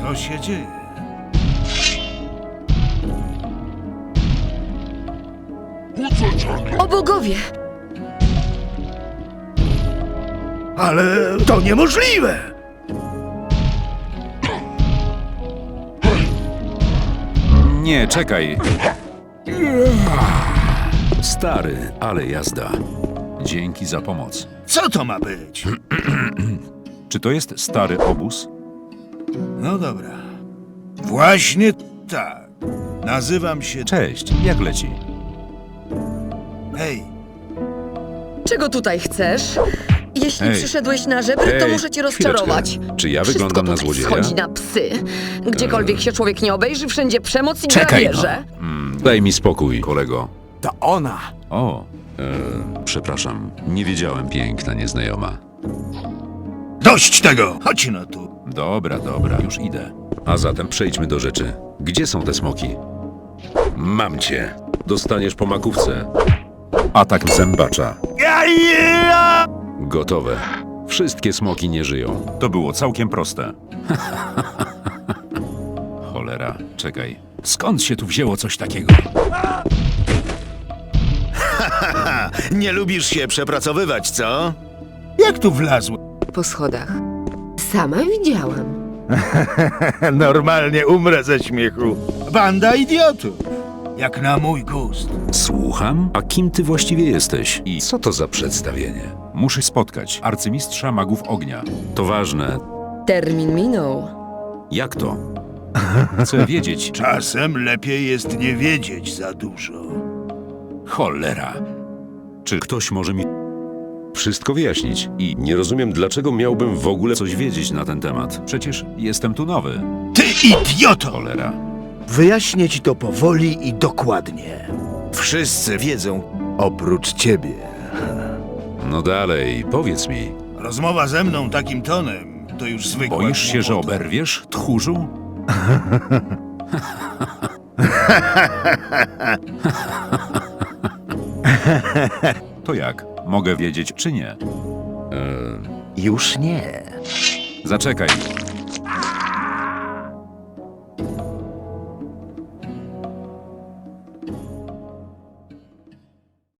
Co się dzieje? O bogowie! Ale to niemożliwe! Nie, czekaj. Stary, ale jazda. Dzięki za pomoc. Co to ma być? Czy to jest stary obóz? No dobra. Właśnie tak. Nazywam się... Cześć, jak leci? Hej, Czego tutaj chcesz? Jeśli Hej. przyszedłeś na żebry, to Hej, muszę cię rozczarować. chwileczkę. Czy ja Wszystko wyglądam na tutaj złodzieja? schodzi na psy. Gdziekolwiek się człowiek nie obejrzy, wszędzie przemoc i Czekaj, grabieże. Daj mi spokój, kolego. To ona! O, przepraszam. Nie wiedziałem, piękna nieznajoma. dość tego! Chodź no tu. Dobra, już idę. A zatem przejdźmy do rzeczy. Gdzie są te smoki? Mam cię. Dostaniesz po makówce. Atak zębacza. Gotowe. Wszystkie smoki nie żyją. To było całkiem proste. Cholera, czekaj. Skąd się tu wzięło coś takiego? Nie lubisz się przepracowywać, co? Jak tu wlazł? Po schodach. Sama widziałam. Normalnie umrę ze śmiechu. Banda idiotów. Jak na mój gust. Słucham? A kim ty właściwie jesteś? I co to za przedstawienie? Muszę spotkać arcymistrza magów ognia. To ważne. Termin minął. Jak to? Chcę wiedzieć, czy... Czasem lepiej jest nie wiedzieć za dużo. Cholera. Czy ktoś może mi wszystko wyjaśnić? I nie rozumiem, dlaczego miałbym w ogóle coś wiedzieć na ten temat. Przecież jestem tu nowy. Ty idioto! Cholera. Wyjaśnię ci to powoli i dokładnie. Wszyscy wiedzą. Oprócz ciebie. No dalej, powiedz mi. Rozmowa ze mną takim tonem to już zwykła Boisz się, że głupota. oberwiesz, tchórzu? To jak? Mogę wiedzieć, czy nie? Już nie. Zaczekaj.